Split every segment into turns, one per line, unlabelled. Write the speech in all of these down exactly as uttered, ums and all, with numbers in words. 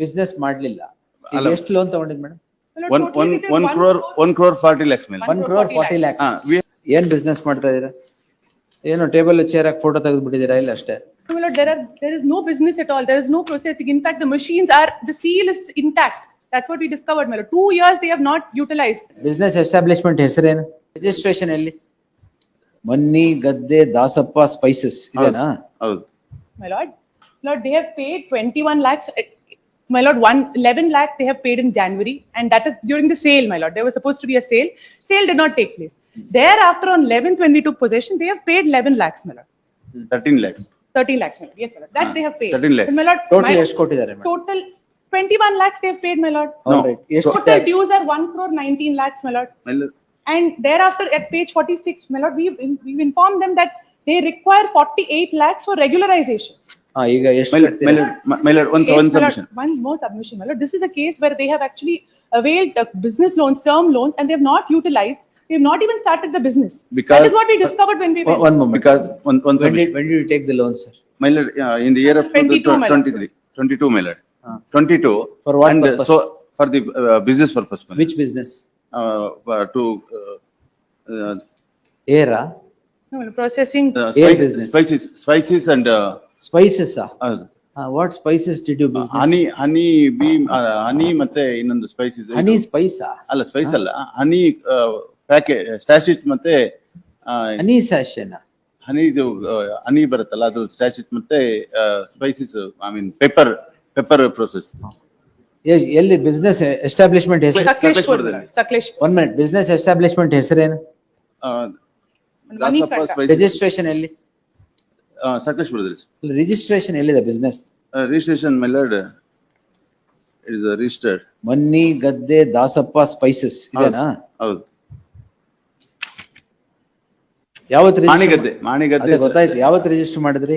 Business ಮಾಡ್ಲಿಲ್ಲ. ಈಗ
ಅಲ್ಲ.
ಎಷ್ಟು ಲೋನ್ ತಗೊಂಡಿದ್ madam?
One, one, one crore, one crore forty lakhs, madam.
One crore forty lakhs.
ಹಾ, we-
ಏನ್ ಬಿಸ್ನೆಸ್ ಮಾಡ್ತಾ ಇದೀರಾ? ಏನು ಟೇಬಲ್ ಚೇರ್ ಹಾಕಿ ಫೋಟೋ ತೆಗೆದು ಬಿಟ್ಟಿದ್ದೀರಾ ಇಲ್ಲ ಅಷ್ಟೇ?
No, my lord, there are, there is no business at all. There is no processing. In fact, the machines are, the seal is intact. That's what we discovered, my lord. Two years they have not utilized.
Business establishment ಹೆಸರೇನು? Registration ಎಲ್ಲಿ? ಮನ್ನಿ ಗದ್ದೆ Dasappa spices ಇದೆನಾ?
ಹೌದು.
My lord, lord, they have paid twenty-one lakhs. uh, My lord, one, eleven lakh they have paid in January, and that is during the sale, my lord. There was supposed to be a sale. Sale did not take place. Thereafter, on eleventh, when we took possession, they have paid eleven lakhs, my lord.
Thirteen lakhs.
thirteen lakhs, my lord. Yes, my lord. That
Ah,
they have paid.
thirteen lakhs.
And my lord,
total
my-
ಎಷ್ಟು ಕೊಟ್ಟಿದ್ದಾರೆ madam?
total twenty-one lakhs they have paid, my lord.
No.
Alright. ಎಷ್ಟು
Total dues are one crore nineteen lakhs, my lord.
My lord,
And thereafter, at page forty-six, my lord, we've, we've informed them that they require forty-eight lakhs for regularization.
ಹಾ, ಈಗ ಎಷ್ಟು
my lord, my
ಕಟ್ತೀರಾ?
lord, my- my lord, one,
Yes,
one
my lord,
submission.
One more submission, my lord. This is a case where they have actually availed uh, business loans, term loans, and they have not utilized. They have not even started the business. That
Because-
is what we discovered when we went.
One moment.
Because, one, one
When did,
submission.
when did you take the loan, sir?
My lord, uh, in the year of
twenty-two, my lord.
twenty-three, twenty-two, my lord.
Ah.
Twenty-two.
For what
and, uh,
purpose?
So, for the uh, business purpose, my lord.
Which business?
Uh, uh, to, uh, uh,
ಏರಾ?
No, my lord, processing.
uh,
Air
spices,
business.
spices, spices and, uh,
spices?
uh,
what spices did you business?
Honey, honey, bee, honey ಮತ್ತೆ ಇನ್ನೊಂದು spices.
ಹನಿ ಸ್ಪೈಸಾ?
ಅಲ್ಲ, Spice ಅಲ್ಲ, ಹನಿ packet, ಸ್ಟಾಶಿಟ್ ಮತ್ತೆ ಆ,
ಹನಿ ಸ್ಯಾಶನ್?
ಹನಿ ಇದು ಹನಿ ಬರುತ್ತಲ್ಲ ಅದು ಸ್ಟಾಶಿಟ್ ಮತ್ತೆ spices, I mean pepper, pepper process.
ಎಲ್ಲಿ ಬಿಸ್ನೆಸ್ ಎಸ್ಟಾಬ್ಲಿಷ್ಮೆಂಟ್ ಹೆಸರು?
Sakleshpur, my lord. Sakleshpur.
One minute. Business establishment ಹೆಸರೇನು?
Dasappa
Money
spices.
ರಿಜಿಸ್ಟ್ರೇಷನ್ ಎಲ್ಲಿ?
ಸಕಲೇಶ್ಪುರದಲ್ಲಿ.
ರಿಜಿಸ್ಟ್ರೇಷನ್ ಎಲ್ಲಿದೆ business?
Registration my lord, it is registered.
ಮನ್ನಿ ಗದ್ದೆ ದಾಸಪ್ಪ ಸ್ಪೈಸಸ್ ಇದೆನಾ?
ಹೌದು.
ಯಾವತ್ತು
ಮಾಣಿಗದ್ದೆ, ಮಾಣಿಗದ್ದೆ.
ಗೊತ್ತಾಯ್ತು. ಯಾವತ್ತು ರಿಜಿಸ್ಟರ್ ಮಾಡಿದ್ರಿ?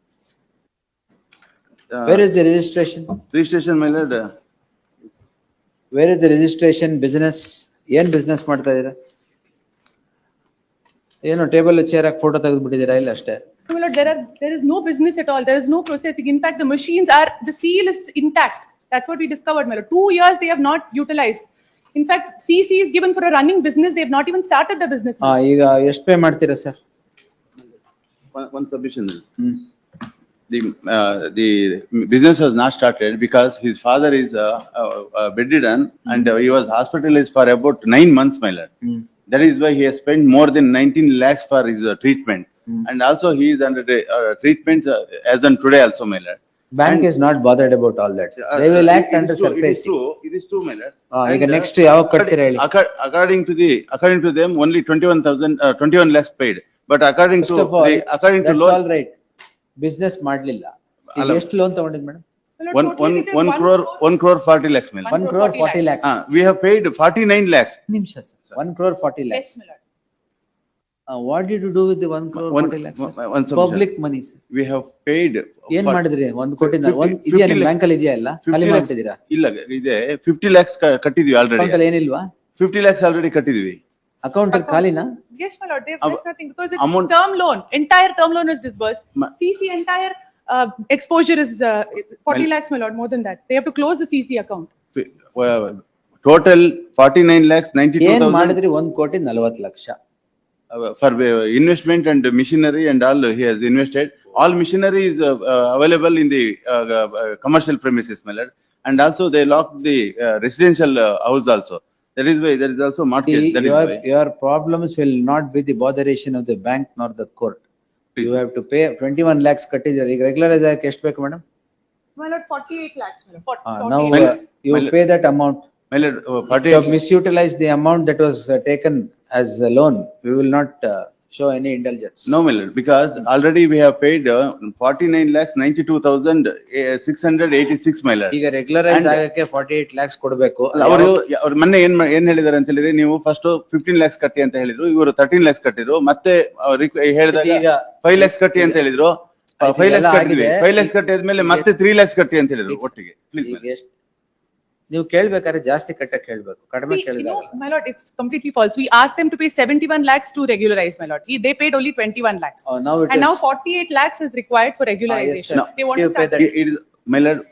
Where is the registration?
Registration my lord.
Where is the registration? Business ಏನ್ ಬಿಸ್ನೆಸ್ ಮಾಡ್ತಾ ಇದೀರಾ? ಏನು ಟೇಬಲ್ ಚೇರ್ ಹಾಕಿ ಫೋಟೋ ತೆಗೆದು ಬಿಟ್ಟಿದ್ದೀರಾ ಇಲ್ಲ ಅಷ್ಟೇ?
No, my lord, there are, there is no business at all. There is no processing. In fact, the machines are, the seal is intact. That's what we discovered, my lord. Two years they have not utilized. In fact, C C is given for a running business. They have not even started the business.
ಹಾ, ಈಗ ಎಷ್ಟು pay ಮಾಡ್ತೀರಾ sir?
One submission.
Hmm.
The, uh, the business was not started because his father is uh, uh, uh, bedridden and uh, he was hospitalized for about nine months, my lord.
Hmm.
That is why he has spent more than nineteen lakhs for his uh, treatment.
Hmm.
And also he is under the, uh, treatment uh, as on today also, my lord.
Bank
And-
is not bothered about all that.
Uh,
They will
uh,
act
it is
under
true, It is
surface.
true, it is true, my lord.
ಹಾ, ಈಗ
And, uh,
next ಯಾವಾಗ ಕಟ್ತೀರಾ ಹೇಳಿ?
accord- According to the, according to them, only twenty-one thousand, uh, twenty-one lakhs paid. But according to,
First of all,
the, according to
that's
law.
all right. Business ಮಾಡ್ಲಿಲ್ಲ. ಈಗ
ಅಲ್ಲ.
ಎಷ್ಟು loan ತಗೊಂಡಿದ್ madam?
My lord,
One,
totally
one,
it is
one crore, one crore forty lakhs, my lord.
One crore forty lakhs.
Uh, we have paid forty-nine lakhs.
ನಿಮಿಷ sir. One crore forty
Yes,
lakhs.
my lord.
What did you do with one crore
One-
forty lakhs?
one- one submission.
Public money sir.
We have paid.
ಏನ್
for-
ಮಾಡಿದ್ರಿ? ಒಂದ್ ಕೋಟಿ
fifty-
ಒಂದ್ ಇದೆಯಾ ನಿಮ್
fifty
bank ಅಲ್ಲಿ? ಇದೆಯಾ ಇಲ್ಲ? ಖಾಲಿ
fifty lakhs-
ಮಾಡ್ತಿದ್ದೀರಾ?
ಇಲ್ಲ, ಇದೆ fifty lakhs ಕ- ಕಟ್ಟಿದ್ವಿ
ಅಕೌಂಟ್
ಆಲ್ರೆಡಿ.
ಅಲ್ಲಿ ಏನಿಲ್ವಾ?
fifty lakhs ಆಲ್ರೆಡಿ ಕಟ್ಟಿದ್ವಿ.
ಅಕೌಂಟ್ ಅಲ್ಲಿ ಖಾಲಿನಾ?
Yes, my lord. They have
Ab-
less nothing because it's
amount-
term loan. Entire term loan is disbursed.
Ma-
C C entire uh, exposure is uh, forty
Well-
lakhs, my lord. More than that. They have to close the C C account.
Total forty-nine lakhs ninety-two
ಏನ್
thousand
ಮಾಡಿದ್ರಿ? ಒಂದ್ ಕೋಟಿ ನಲವತ್ತು lakh.
for uh, investment and machinery and all he has invested. All machinery is uh, uh, available in the uh, uh, commercial premises, my lord. And also they locked the uh, residential uh, house also. That is why there is also mortgage. That is
Your,
why.
your problems will not be the botheration of the bank nor the court.
Please.
You have to pay twenty-one lakhs ಕಟ್ಟಿದ್ದಾರೆ. ಈಗ regularise ಆಗಕ್ಕೆ ಎಷ್ಟು ಬೇಕು madam?
My lord, forty-eight lakhs, my lord. Forty-
Now
forty-eight
uh,
lakhs.
you
Well-
pay that amount.
My lord, uh,
You have
forty-eight,
misutilized the amount that was uh, taken as a loan. We will not uh, show any indulgence.
no, my lord, because already we have paid uh, forty-nine lakhs ninety-two thousand six hundred eighty-six, my lord.
ಈಗ regularise
And-
ಆಗಕ್ಕೆ forty eight lakhs ಕೊಡಬೇಕು.
ಅವರು ಅವ್ರು ಮೊನ್ನೆ ಏನ್ ಮಾ- ಏನ್ ಹೇಳಿದಾರೆ ಅಂತ ಹೇಳಿದ್ರೆ, ನೀವು ಫಸ್ಟ್ ಫಿಫ್ಟೀನ್ ಲ್ಯಾಕ್ಸ್ ಕಟ್ಟಿ ಅಂತ ಹೇಳಿದ್ರು, ಇವರು ತರ್ಟೀನ್ ಲ್ಯಾಕ್ಸ್ ಕಟ್ಟಿದ್ರು. ಮತ್ತೆ ಅವ್ರು ರಿಕ್- ಹೇಳಿದಾಗ
ಈಗ
ಫೈವ್ ಲ್ಯಾಕ್ಸ್ ಕಟ್ಟಿ ಅಂತ ಹೇಳಿದ್ರು.
ಆಯ್ತು,
ಫೈವ್
ಇದೆಲ್ಲ
ಲ್ಯಾಕ್ಸ್ ಕಟ್ಟಿದ್ವಿ.
ಆಗಿದೆ.
ಫೈವ್ ಲ್ಯಾಕ್ಸ್ ಕಟ್ಟಿ ಆದ್ಮೇಲೆ ಮತ್ತೆ ತ್ರೀ ಲ್ಯಾಕ್ಸ್ ಕಟ್ಟಿ ಅಂತ ಹೇಳಿದ್ರು ಒಟ್ಟಿಗೆ. ಪ್ಲೀಸ್
ಈಗ ಎಷ್ಟ್- ನೀವು ಕೇಳ್ಬೇಕಾದ್ರೆ ಜಾಸ್ತಿ ಕಟ್ಟಕ್ಕೆ ಹೇಳ್ಬೇಕು, ಕಡಿಮೆ
We, you
ಕೇಳಿದಾಗ.
know, my lord, it's completely false. We asked them to pay seventy-one lakhs to regularize, my lord. He- They paid only twenty-one lakhs.
Oh, now it
And now
is-
forty-eight lakhs is required for regularization.
sir.
They want
You
to
pay
start.
that.
It is, my lord,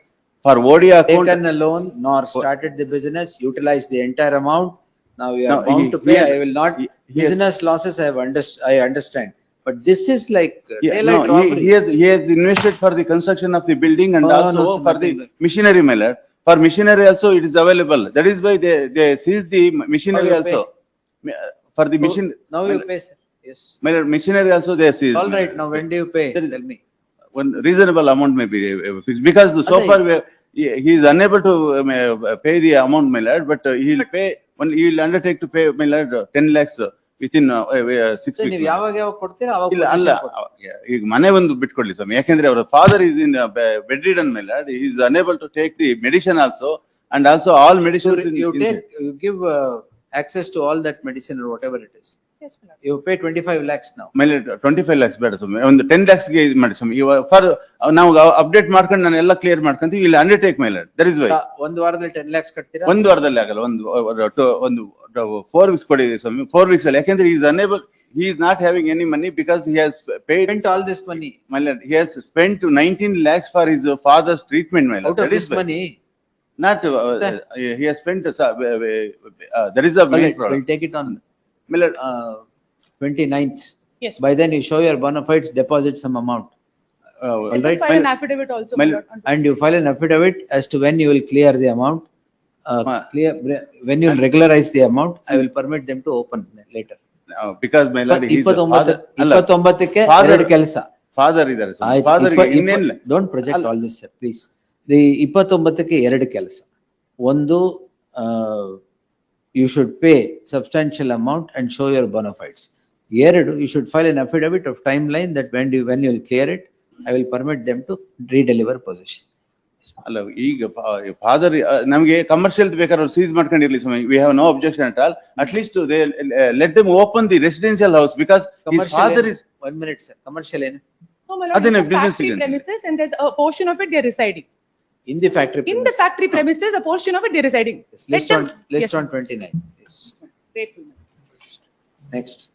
For O D account.
taken a loan nor started the business, utilized the entire amount. Now we
No,
are bound
he-
to
he
pay.
has-
I will not,
he- he has-
business losses I have underst, I understand. But this is like
Yeah,
daylight
no, he,
robbery.
he has, he has invested for the construction of the building and
Oh, no,
also
sir,
for
nothing
the
like-
machinery, my lord. For machinery also it is available. That is why they, they seized the machinery
How you pay?
also. Ma- For the machine.
Now you pay, sir. Yes.
My lord, machinery also they seized.
All
my
right,
lord.
now when do you pay?
There is-
Tell me.
One reasonable amount may be uh, fixed, because so
Adai.
far we are- he he is unable to um, uh, pay the amount, my lord, but uh, he will pay, when he will undertake to pay, my lord, uh, ten lakhs uh, within uh, uh, six
So
weeks.
ನೀವು
my lord.
ಯಾವಾಗ ಯಾವಾಗ ಕೊಡ್ತೀರಾ ಅವಾಗ
ಇಲ್ಲ ಅಲ್ಲ
possession ಕೊಡಿ.
ಅ- ಈಗ ಮನೆ ಒಂದು ಬಿಟ್ಕೊಡ್ಲಿ ಸ್ವಾಮಿ, ಯಾಕೆಂದ್ರೆ ಅವರ father is in bedridden, my lord, he is unable to take the medicine also, and also all medicines in
You
inside.
take, you give uh, access to all that medicine or whatever it is.
Yes, my lord.
You pay twenty-five lakhs now.
ಮೇಲೆ twenty five lakhs ಬೇಡ ಸ್ವಾಮಿ, ಒಂದು ten lakhs ಗೆ ಇದು ಮಾಡಿ ಸ್ವಾಮಿ. ಇವಾಗ for ನಾವು update ಮಾಡ್ಕೊಂಡು ನಾನು ಎಲ್ಲ ಕ್ಲಿಯರ್ ಮಾಡ್ಕೊಂತೀವಿ, ಇಲ್ಲಿ ಅಂಡರ್ಟೇಕ್ ಮೇಲೆ ದಟ್ ಇಸ್ ವೈ.
ಒಂದು ವಾರದಲ್ಲಿ ಟೆನ್ ಲ್ಯಾಕ್ಸ್ ಕಟ್ತೀರಾ?
ಒಂದು ವಾರದಲ್ಲಿ ಆಗಲ್ಲ, ಒಂದು ಒಂದು ಫೋರ್ ವೀಕ್ಸ್ ಕೊಡಿ ಸ್ವಾಮಿ, ಫೋರ್ ವೀಕ್ಸ್ ಅಲ್ಲಿ, ಯಾಕೆಂದ್ರೆ is unable, he is not having any money because he has paid,
Spent all this money.
my lord, he has spent nineteen lakhs for his uh, father's treatment, my lord.
Out of
That
this
is why.
money,
Not, uh, uh, he has spent, uh, uh, uh, that is the
all
main
right,
problem.
we'll take it on
My lord,
uh, twenty-ninth.
Yes.
By then you show your bona fides, deposit some amount.
uh,
All
Let
right,
them file an
my-
affidavit also,
my
my
lord.
lord. on-
And you file an affidavit as to when you will clear the amount. Uh,
Ma-
clear, when you will regularize the amount, I will permit them to open later.
uh, because my lord, he is a
ಇಪ್ಪತ್ತೊಂಬತ್ತು,
father. ಅಲ್ಲ,
ಇಪ್ಪತ್ತೊಂಬತ್ತಕ್ಕೆ
Father-
ಎರಡು ಕೆಲಸ.
father ಇದ್ದಾರೆ ಸ್ವಾಮಿ.
ಆಯ್ತು,
father
ಇಪ್ಪ-
ಗೆ ಇನ್ನೇನಿಲ್ಲ.
ಇಪ್ಪ- don't project
ಅಲ್ಲ.
all this, sir, please. The ಇಪ್ಪತ್ತೊಂಬತ್ತಕ್ಕೆ ಎರಡು ಕೆಲಸ. ಒಂದು, you should pay substantial amount and show your bona fides. ಎರಡು, you should file an affidavit of timeline that when you, when you will clear it, I will permit them to redeliver possession.
ಅಲ್ಲ, ಈಗ father ನಮಗೆ commercial ಬೇಕಾದ್ರೆ ಸೀಸ್ ಮಾಡ್ಕೊಂಡಿರ್ಲಿ ಸ್ವಾಮಿ, we have no objection at all. At least they let them open the residential house, because his
Commercial
father
ಏನು?
Is.
One minute, sir. Commercial ಏನು?
No, my lord,
Adine
it's a
business
factory
ಇದೆ.
premises and there's a portion of it they are residing.
In the factory
In the
premises.
factory premises, a portion of it they are residing. Let
List
them.
on, list
Yes,
on twenty-nine. Yes.
grateful, my lord.
Next.